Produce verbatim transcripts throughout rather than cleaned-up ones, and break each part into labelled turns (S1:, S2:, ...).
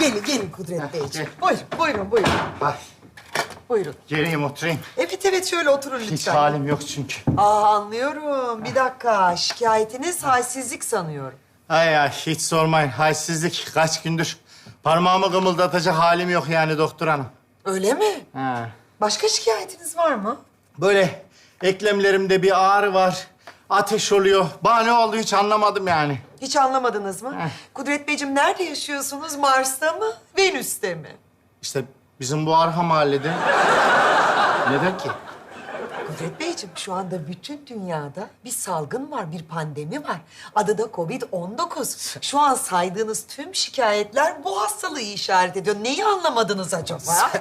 S1: Gelin, gelin Kudret Beyciğim. Buyurun, buyurun, buyurun.
S2: Ay,
S1: Buyurun.
S2: geleyim oturayım.
S1: Evet, evet, şöyle oturun lütfen.
S2: Hiç halim yok çünkü.
S1: Aa, anlıyorum. Bir dakika. Şikayetiniz halsizlik sanıyorum.
S2: Ay ay, hiç sormayın. Halsizlik kaç gündür. Parmağımı kımıldatacak halim yok yani doktor hanım.
S1: Öyle mi?
S2: Ha.
S1: Başka şikayetiniz var mı?
S2: Böyle eklemlerimde bir ağrı var. Ateş oluyor. Bana ne oldu hiç anlamadım yani.
S1: Hiç anlamadınız mı?
S2: Heh.
S1: Kudret Beyciğim, nerede yaşıyorsunuz? Mars'ta mı? Venüs'te mi?
S2: İşte bizim bu arka mahallede. Neden ki?
S1: Kudret Beyciğim, şu anda bütün dünyada bir salgın var, bir pandemi var. Adı da Covid on dokuz. Şu an saydığınız tüm şikayetler bu hastalığı işaret ediyor. Neyi anlamadınız acaba?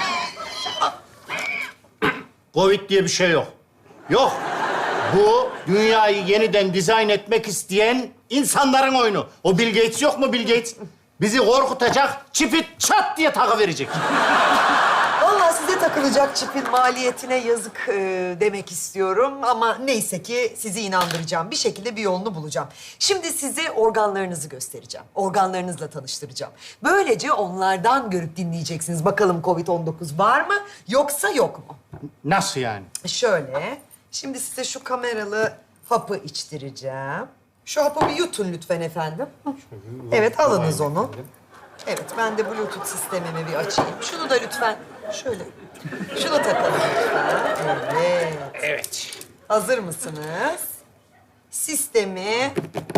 S2: Covid diye bir şey yok. Yok. Bu dünyayı yeniden dizayn etmek isteyen insanların oyunu. O Bill Gates yok mu Bill Gates? Bizi korkutacak, çipi çat diye takıverecek.
S1: Vallahi size takılacak çipin maliyetine yazık e, demek istiyorum. Ama neyse ki sizi inandıracağım. Bir şekilde bir yolunu bulacağım. Şimdi size organlarınızı göstereceğim. Organlarınızla tanıştıracağım. Böylece onlardan görüp dinleyeceksiniz. Bakalım Covid on dokuz var mı yoksa yok mu?
S2: Nasıl yani?
S1: Şöyle, şimdi size şu kameralı hapı içtireceğim. Şu hapı bir yutun lütfen efendim. Hı. Evet, alınız onu. Evet, ben de Bluetooth sistemimi bir açayım. Şunu da lütfen şöyle, şunu takalım lütfen. Evet.
S2: Evet.
S1: Hazır mısınız? Sistemi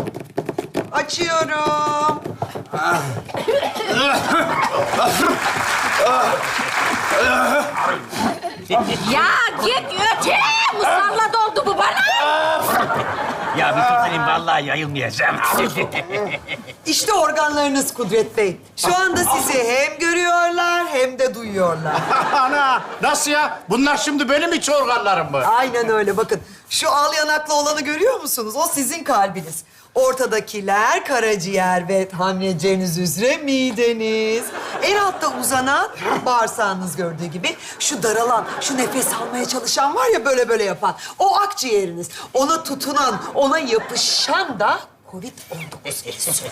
S1: açıyorum.
S3: Ya git öte! Musallat oldu bu bana!
S4: Ya bir tutayım vallahi yayılmayacağım.
S1: İşte organlarınız Kudret Bey. Şu anda sizi hem görüyorlar hem de duyuyorlar.
S2: Ana, nasıl ya? Bunlar şimdi benim iç organlarım mı?
S1: Aynen öyle. Bakın, şu al yanaklı olanı görüyor musunuz? O sizin kalbiniz. Ortadakiler karaciğer ve tahmin edeceğiniz üzere mideniz. En altta uzanan bağırsağınız gördüğü gibi. Şu daralan, şu nefes almaya çalışan var ya böyle böyle yapan. O akciğeriniz. Ona tutunan, ona yapışan da Covid on dokuz virüsü.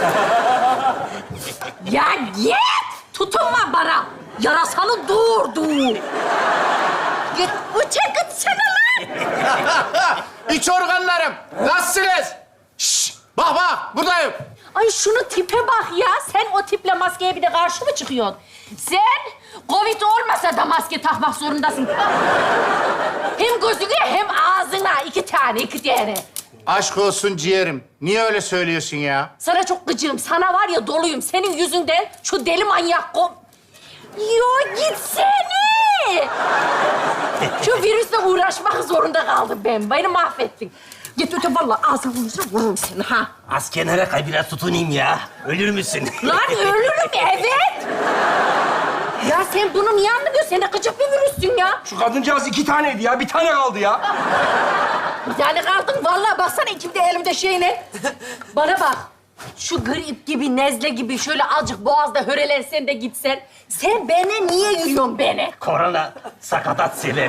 S3: Ya git! Tutunma bana! Yarasanı doğurdu. Git öte gitsene lan!
S2: İç organlarım, nasılsınız? Şşş, bak bak, buradayım.
S3: Ay şunu tipe bak ya. Sen o tiple maskeye bir de karşı mı çıkıyorsun? Sen Covid olmasa da maske takmak zorundasın. Hem gözüne hem ağzına. iki tane, iki tane.
S2: Aşk olsun ciğerim. Niye öyle söylüyorsun ya?
S3: Sana çok gıcığım. Sana var ya doluyum. Senin yüzünden şu deli manyak kom... Yo gitsene! Şu virüsle uğraşmak zorunda kaldım ben. Beni mahvettin. Git öte vallahi ağzına vurursa vururum seni ha.
S4: Az kenara kay biraz tutunayım ya. Ölür müsün?
S3: Lan ölürüm evet. Ya sen bunu niye anlamıyorsun? Sen de gıcık bir virüssün ya.
S5: Şu kadıncağız iki taneydi ya. Bir tane kaldı ya.
S3: Bir tane kaldın vallahi baksana ikimde elimde şeyine. Bana bak. Şu grip gibi, nezle gibi şöyle azıcık boğazda hörelensen de gitsen. Sen bana niye yürüyorsun beni?
S4: Korona sakatat sever.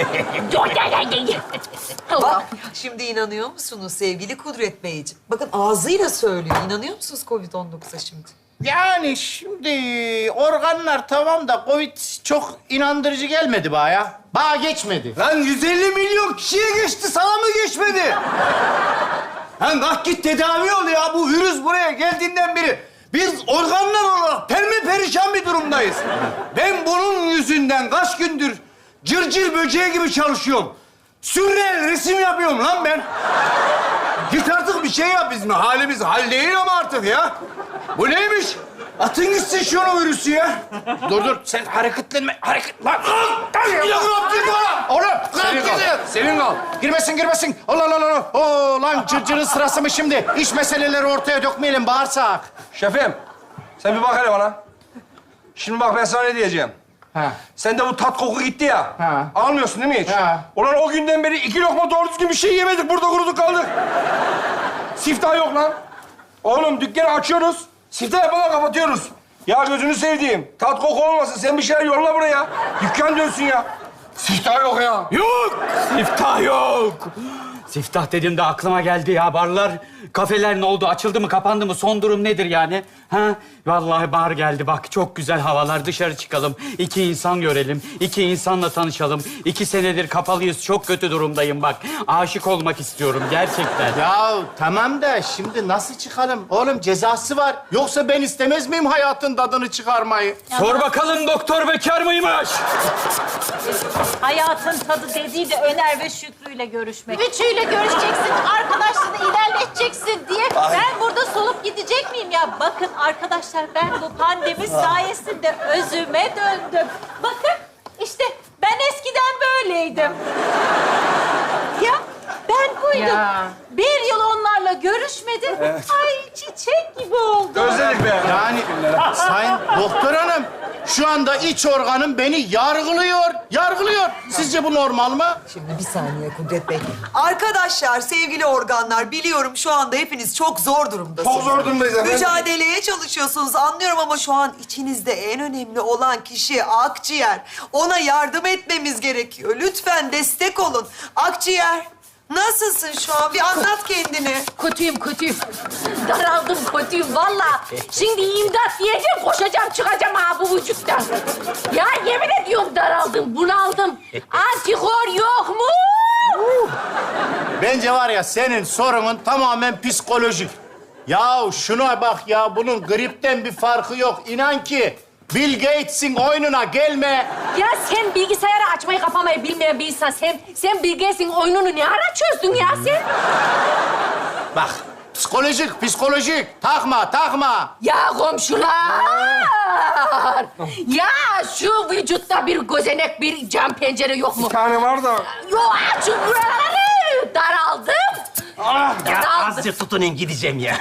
S1: Bak, şimdi inanıyor musunuz sevgili Kudret Beyciğim? Bakın ağzıyla söylüyor. İnanıyor musunuz Covid on dokuza şimdi?
S2: Yani şimdi organlar tamam da Covid çok inandırıcı gelmedi bana ya. Bana geçmedi.
S5: Lan yüz elli milyon kişiye geçti. Sana mı geçmedi? Lan bak git tedavi ol ya. Bu virüs buraya geldiğinden beri biz organlar olarak perme perişan bir durumdayız. Ben bunun yüzünden kaç gündür cırcır böceği gibi çalışıyorum. Sürreel resim yapıyorum lan ben. Git artık bir şey yap bizim. Halimiz hal değil ama artık ya. Bu neymiş? Atın gitsin şunu virüsü ya.
S2: Dur dur, sen hareketlenme. Hareket... Lan!
S5: Bir de bırak bana.
S2: Oğlum,
S5: Senin
S2: senin
S5: kal. Senin kal.
S2: Girmesin, girmesin. Allah Allah Allah. Oo lan cırcırın sırası mı şimdi? İş meseleleri ortaya dökmeyelim, bağırsak.
S5: Şefim, sen bir bak hele bana. Şimdi bak ben sana ne diyeceğim.
S2: Ha.
S5: Sende bu tat koku gitti ya.
S2: Ha.
S5: Almıyorsun değil mi hiç?
S2: Ha.
S5: Ulan o günden beri iki lokma doğru düzgün bir şey yemedik. Burada kuruduk kaldık. Siftah yok lan. Oğlum dükkanı açıyoruz. Siftah yapmadan kapatıyoruz. Ya gözünü sevdiğim. Tat koku olmasın. Sen bir şeyler yolla buraya. Dükkan dönsün ya. Siftah yok ya.
S6: Yok! Siftah yok! Siftah dediğimde aklıma geldi ya. Barlar, kafeler ne oldu? Açıldı mı, kapandı mı? Son durum nedir yani? Ha? Vallahi bahar geldi. Bak çok güzel havalar. Dışarı çıkalım. İki insan görelim. İki insanla tanışalım. İki senedir kapalıyız. Çok kötü durumdayım bak. Aşık olmak istiyorum gerçekten.
S2: Ya tamam da şimdi nasıl çıkalım? Oğlum cezası var. Yoksa ben istemez miyim hayatın tadını çıkarmayı?
S6: Sor bakalım doktor bekar mıymış?
S7: Hayatın tadı dediği de Öner ve Şükrü'yle görüşmek. Üçüyle görüşeceksin, arkadaşlığını ilerleteceksin diye ben burada solup gidecek miyim ya? Bakın arkadaşlar, ben bu pandemi sayesinde özüme döndüm. Bakın işte ben eskiden böyleydim. Ya ben buydum.
S3: Ya.
S7: Bir yıl onlarla görüşmedim. Ay çiçek gibi oldum.
S5: Özledik be.
S2: Yani sayın doktor hanım şu anda iç organım beni yargılıyor. Yargılıyor. Sizce bu normal mı?
S1: Şimdi bir saniye Kudret Bey. Arkadaşlar, sevgili organlar, biliyorum şu anda hepiniz çok zor durumdasınız.
S5: Çok zor durumdayız efendim.
S1: Mücadeleye çalışıyorsunuz, anlıyorum ama şu an içinizde en önemli olan kişi akciğer. Ona yardım etmemiz gerekiyor. Lütfen destek olun. Akciğer, nasılsın şu an? Bir anlat kendini.
S3: Kötüyüm, kötüyüm. Daraldım, kötüyüm vallahi. Şimdi imdat diyeceğim, koşacağım, çıkacağım ha bu vücuttan. Ya yemin ediyorum daraldım, bunaldım. Antikor yok mu?
S2: Bence var ya senin sorunun tamamen psikolojik. Ya şuna bak ya, bunun gripten bir farkı yok. İnan ki Bill Gates'in oyununa gelme.
S3: Ya sen bilgisayarı açmayı kapamayı bilmeyen bir insan. Sen, sen Bill Gates'in oyununu ne ara çözdün ya sen?
S2: Bak psikolojik, psikolojik. Takma, takma.
S3: Ya komşular! Ya şu vücutta bir gözenek, bir cam pencere yok mu?
S5: Bir tane var da.
S3: Yok, açın buraları! Daraldım.
S4: Ya
S3: Daraldım.
S4: azıcık tutunun gideceğim ya.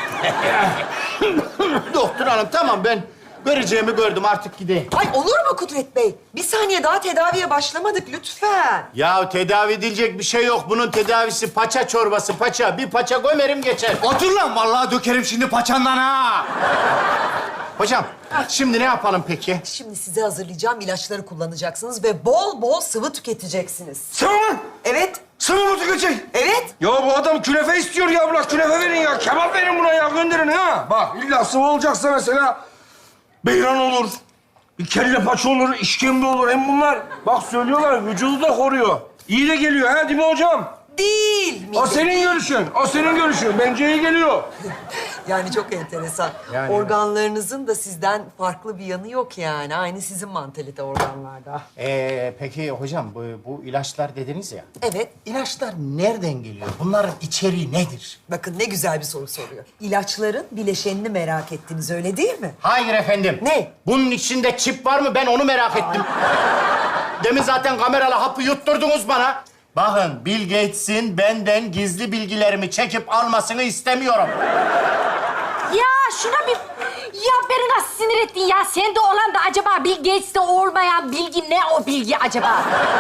S2: Doktor hanım tamam, ben göreceğimi gördüm, artık gideyim.
S1: Ay olur mu Kudret Bey? Bir saniye daha tedaviye başlamadık lütfen.
S2: Ya tedavi edilecek bir şey yok. Bunun tedavisi paça çorbası, paça. Bir paça gömerim geçer.
S5: Otur lan, vallahi dökerim şimdi paçandan ha.
S2: Hocam, şimdi ne yapalım peki?
S1: Şimdi size hazırlayacağım ilaçları kullanacaksınız ve bol bol sıvı tüketeceksiniz.
S5: Sıvı mı?
S1: Evet,
S5: Sıvı mı tüketecek?
S1: evet.
S5: Ya bu adam künefe istiyor ya, bırak künefe verin ya. Kebap verin buna ya, gönderin ha. Bak illa sıvı olacaksa mesela beyran olur, bir kelle paça olur, işkembe olur. Hem bunlar bak söylüyorlar vücudu da koruyor. İyi de geliyor ha değil mi hocam?
S1: Değil mi?
S5: O senin görüşün, o senin görüşün. Bence iyi geliyor.
S1: Yani çok enteresan.
S2: Yani-
S1: Organlarınızın da sizden farklı bir yanı yok yani. Aynı sizin mantalite organlarda.
S2: Ee, peki hocam, bu, bu ilaçlar dediniz ya.
S1: Evet.
S2: İlaçlar nereden geliyor? Bunların içeriği nedir?
S1: Bakın ne güzel bir soru soruyor. İlaçların bileşenini merak ettiniz, öyle değil mi?
S2: Hayır efendim.
S1: Ne?
S2: Bunun içinde çip var mı? Ben onu merak ettim. Demin zaten kameralı hapı yutturdunuz bana. Bakın, Bill Gates'in benden gizli bilgilerimi çekip almasını istemiyorum.
S3: Ya şuna bir... Ya beni nasıl sinir ettin ya? Sende olan da acaba Bill Gates'te olmayan bilgi ne o bilgi acaba?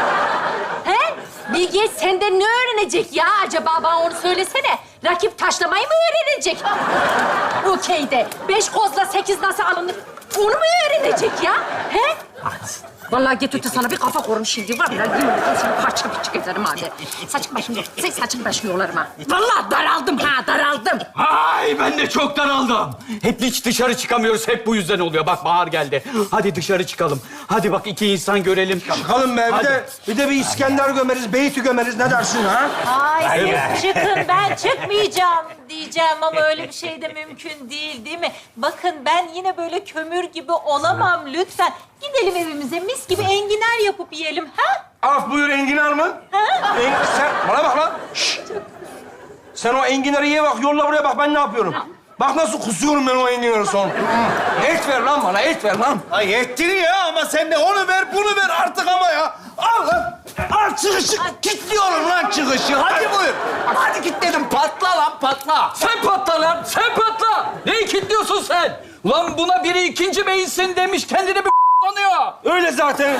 S3: He? Bill Gates senden ne öğrenecek ya acaba? Bana onu söylesene. Rakip taşlamayı mı öğrenecek? Okey de. Beş kozla sekiz nasıl alınır? Onu mu öğrenecek ya? He? Vallahi getirdi sana bir kafa korum şimdi var ya. Yemin ederim seni parça parça ederim abi. Saçın başını, sen saçın başını yolarım ha. Vallahi daraldım ha, daraldım.
S6: Ay ben de çok daraldım. Hep hiç dışarı çıkamıyoruz. Hep bu yüzden oluyor. Bak bahar geldi. Hadi dışarı çıkalım. Hadi bak iki insan görelim.
S5: Çıkalım be, bir
S6: Hadi.
S5: de, bir de bir İskender gömeriz, Beyt'i gömeriz. Ne dersin ha?
S7: Ay siz çıkın, ben çıkmayacağım diyeceğim ama öyle bir şey de mümkün değil, değil mi? Bakın ben yine böyle kömür gibi olamam lütfen. Gidelim evimize mis gibi enginar yapıp yiyelim ha?
S5: Af buyur enginar mı? En, sen bana bak lan. Şşt. Sen o enginarı ye bak, yolla buraya bak ben ne yapıyorum. Bak nasıl kusuyorum ben o enginarı son. Et ver lan bana, et ver lan.
S8: Ay ettin ya, ama sen de onu ver, bunu ver artık ama ya. Al lan. Al çıkışı. Kilitliyorum lan çıkışı. Hadi buyur. Hadi kilitledim. Patla lan patla.
S6: Sen patla lan, sen patla. Neyi kilitliyorsun sen? Ulan buna biri ikinci beyinsin demiş, kendini bir sanıyor.
S5: Öyle zaten.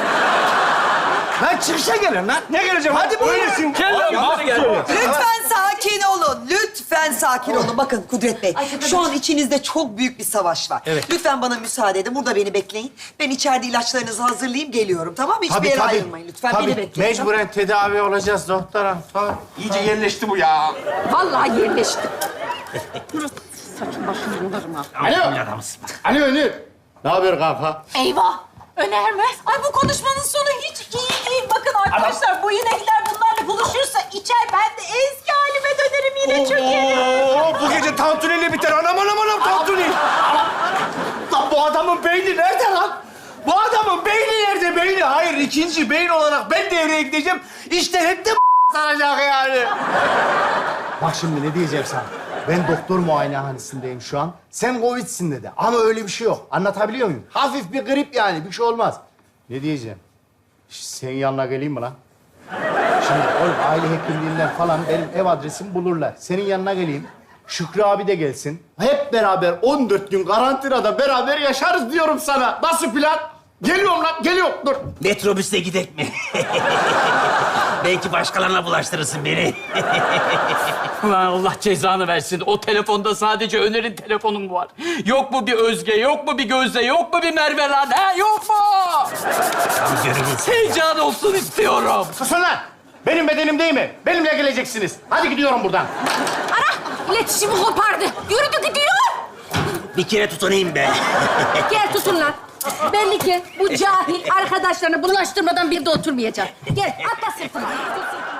S8: Lan çıkışa gelin lan.
S5: Ne geleceğim?
S8: Hadi buyur.
S5: Öylesin.
S6: Gel lan,
S5: Yalan
S6: hadi gel.
S5: söylüyor.
S1: Lütfen sakin olun. Lütfen sakin sakin olun. Bakın Kudret Bey, şu an içinizde çok büyük bir savaş var.
S2: Evet.
S1: Lütfen bana müsaade edin. Burada beni bekleyin. Ben içeride ilaçlarınızı hazırlayayım, geliyorum. Tamam mı? Hiçbir yere ayrılmayın lütfen.
S2: Tabii,
S1: Beni bekleyin.
S2: mecburen tedavi olacağız doktor hanım. Tabii.
S8: İyice yerleşti bu ya.
S3: Vallahi yerleştim. Saçım başım yolarım ha.
S2: Alo. Alo Önür. Ne haber kanka?
S7: Eyvah! Öner mi? Ay bu konuşmanın sonu hiç iyi değil. Bakın arkadaşlar bu inekler bunlarla buluşursa içer. Ben de eski halime dönerim yine çökerim.
S8: Oo, bu gece tantuniyle biter. Anam anam anam tantuni. Lan bu adamın beyni nerede lan? Bu adamın beyni nerede beyni? Hayır ikinci beyin olarak ben devreye gideceğim. İşte hep de saracak yani.
S2: Bak şimdi ne diyeceğim sana. Ben doktor muayenehanesindeyim şu an. Sen Covid'sin dedi. Ama öyle bir şey yok. Anlatabiliyor muyum? Hafif bir grip yani. Bir şey olmaz. Ne diyeceğim? Şş, senin yanına geleyim mi lan? Şimdi oğlum aile hekimliğinden falan benim ev adresimi bulurlar. Senin yanına geleyim. Şükrü abi de gelsin. Hep beraber on dört gün karantinada beraber yaşarız diyorum sana. Nasıl plan? Geliyorum lan, geliyorum. Dur.
S4: Metrobüste gidek mi? Belki başkalarına bulaştırırsın beni.
S6: Ulan Allah cezanı versin. O telefonda sadece Öner'in telefonu mu var? Yok mu bir Özge, yok mu bir Gözde, yok mu bir Merve lan? Ha, yok mu?
S4: Tam görürüz.
S6: Heyecan olsun istiyorum.
S2: Susun lan. Benim bedenim değil mi? Benimle geleceksiniz. Hadi gidiyorum buradan.
S3: Ana! İletişimi kopardı. Yürüdü gidiyor.
S4: Bir kere tutunayım be.
S3: Gel tutun lan. Belli ki bu cahil arkadaşlarını bulaştırmadan bir de oturmayacak. Gel atla sırtıma.